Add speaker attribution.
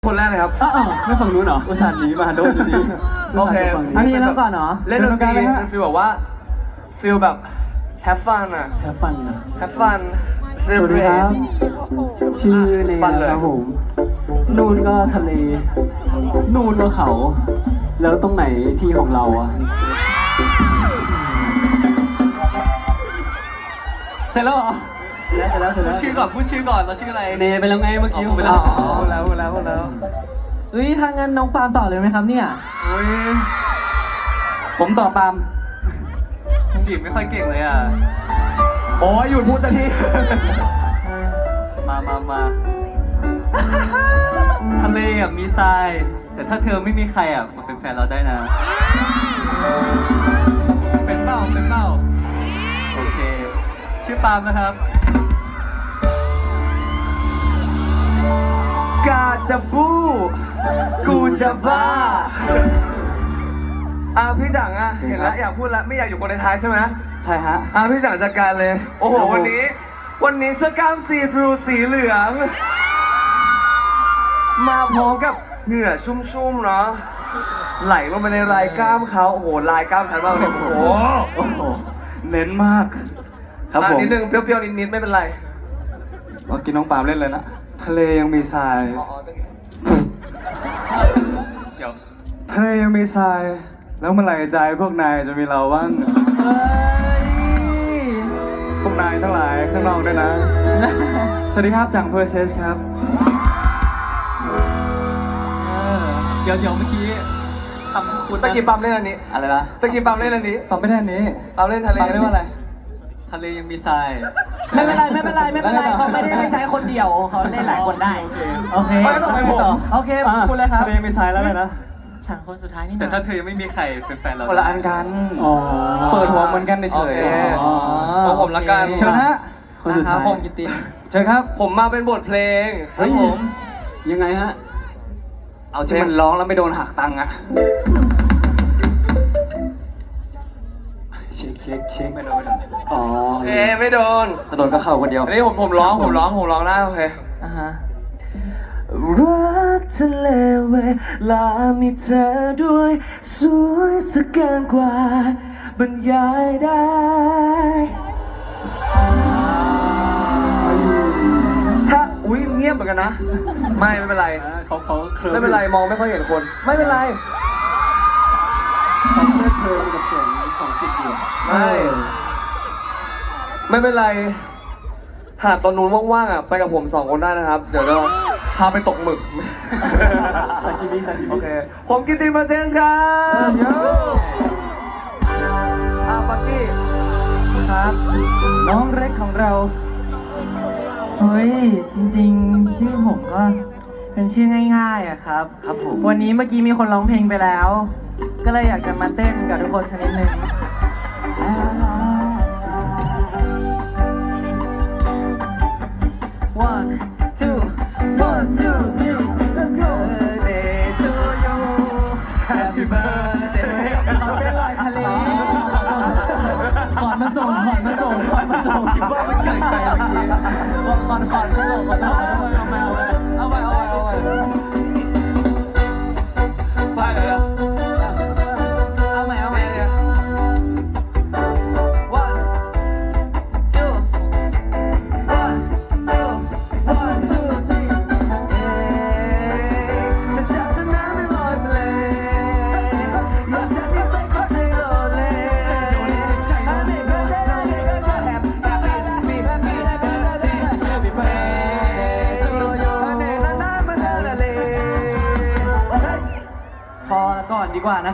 Speaker 1: คนแรกเลยครับ
Speaker 2: อ้าวไม่ฝั่งนู้นเหรออุตส่าห์หนีมาโดนอยู่ดี
Speaker 1: โอเค
Speaker 3: อันนี้เริ่มก่อนเหรอ
Speaker 1: เล่นดนตรีเป็นฟีลแบบว่าฟีลแบบ have fun อะ
Speaker 2: แฮปฟันนะ
Speaker 1: have fun
Speaker 2: สวัสดีครับ ชื่อเนยนะครับผม นู่นก็ทะเล นู่นก็เขา แล้วตรงไหนที่ของเราอะเสร็จแล้วเหรอเสร็จแล้ว
Speaker 3: พูดชื่อก่อนเราชื่ออะไร
Speaker 2: เนยไปแล้วไงเมื่อกี้ผมไปแล้ว
Speaker 3: พูดแล้วเฮ้ยถ้างั้นน้องปาล์มต่อเลยไหมครับเนี่ย
Speaker 2: ผมต่อปาล์ม
Speaker 3: จีบไม่ค่อยเก่งเลยอ่ะ
Speaker 1: โอ้ยหยุดพูดสักที
Speaker 3: มาทะเลอ่ะมีทรายแต่ถ้าเธอไม่มีใครอ่ะมาเป็นแฟนเราได้นะเป็นเป้าโอเคชื่อปาล์มนะครับ
Speaker 1: กาจะบูกูจะบ้าพี่จังอะเห็นแล้วอยากพูดแล้วไม่อยากอยู่คนในท้ายใช่ไหม
Speaker 2: ใช่ฮะ
Speaker 1: พี่จังจัดการเลยโอ้โหวันนี้เสื้อกล้ามสีบลูสีเหลืองมาพร้อมกับเหงื่อชุ่มๆเนาะไหลลงไปในลายกล้ามเขาโอ้โหลายกล้ามชัดมากเลยโอ้โห
Speaker 2: เน้นมากครับผม
Speaker 1: นิดนึงเปรี้ยวๆนิดๆไม่เป็นไร
Speaker 2: เมื่อกี้น้องปาล์มเล่นเลยนะทะเลยังมีทราย
Speaker 1: เดี๋ยว
Speaker 2: ทะเลยังมีทรายแล้วเมื่อไหร่ใจพวกนายจะมีเราบ้างพวกนายทั้งหลายข้างนอกด้วยนะสวัสดีครับจังเพอร์เซสครับ
Speaker 3: เดี๋ยวเมื่อกี้คำคุณ
Speaker 1: ตะกี้ปั๊มเล่นอันนี้
Speaker 2: อะไรนะ
Speaker 1: ตะกี้ปั๊มเล่นอันนี้
Speaker 2: ปั๊มไม่ได้อันนี้
Speaker 1: ปั๊มเล่นทะเล
Speaker 2: ปั๊มเรียกว่าอะไร
Speaker 3: ทะเลยังมีทราย
Speaker 4: ไม่เป็นไรเขาไม่ได้ใช้คนเดียวเขาเล่นหลายคนได้โอเค
Speaker 1: ไม่ต้องไปผม
Speaker 4: โอเคคุณเลยครับ
Speaker 2: ทะเลมีทรายแล้วเลยนะ
Speaker 4: ฉันคนสุดท้ายนี่
Speaker 3: แต่ถ้าเธอยังไม่มีใครเป็นแฟนเรา
Speaker 2: คนละอันกันเปิดหัวเหมือนกันเฉย
Speaker 1: ผมละกัน
Speaker 2: เชิญฮะคนสุดท้าย
Speaker 3: ผมกิตติน
Speaker 2: เชิญครับ
Speaker 1: ผมมาเป็นบทเพลง
Speaker 2: ครับผมยังไงฮะเอาที่มันร้องแล้วไม่โดนหักตังค์อะเช็คไม่โดนอ๋อ
Speaker 1: โอเคไม่โดน
Speaker 2: ถ้าโดนก็เข้าคนเดียว
Speaker 1: อันนี้ผมร้องได้โอเครักทะเลเวลามีเธอด้วยสวยสักเกินกว่าบรรยายได้ถ้าเงียบเหมือนกันนะไม่เป็นไร
Speaker 2: เขา
Speaker 1: ไม่เป็นไรมองไม่ค่อยเห็นคนไม่เป็นไร
Speaker 2: เขาเธอเป็นเสียงของจิตเดียว
Speaker 1: ไม่เป็นไรหากตอนนู้นว่างๆอ่ะไปกับผม2 คนได้นะครับเดี๋ยวเราพาไปตกหมึก
Speaker 2: ซาชิมิ
Speaker 1: โอเคผมกิตติมาเซนส์ครับปักกี้
Speaker 2: ครับน้องเล็กของเรา
Speaker 4: เฮ้ยจริงๆชื่อผมก็เป็นชื่อง่ายๆอะครับ
Speaker 2: ผม
Speaker 4: วันนี้เมื่อกี้มีคนร้องเพลงไปแล้ว ก็เลยอยากจะมาเต้นกับทุกคนสักนิดนึง1 2 1 2 3 Let's go Birthday to you Happy birthday เขาเป็นลอยทะเล
Speaker 2: ขอนมาส่งคิดว่ามันเกิดใจเมื่อกี้ขอนมาส่งเอาไป
Speaker 1: ไปเลย
Speaker 4: เอาใหม่ 1 2 1 2 3ฉันจะน้ำไม่ลอยทะเลอยากจะมีแฟนคนที่โลเลHappy birthday to you พอก่อนดีกว่านะ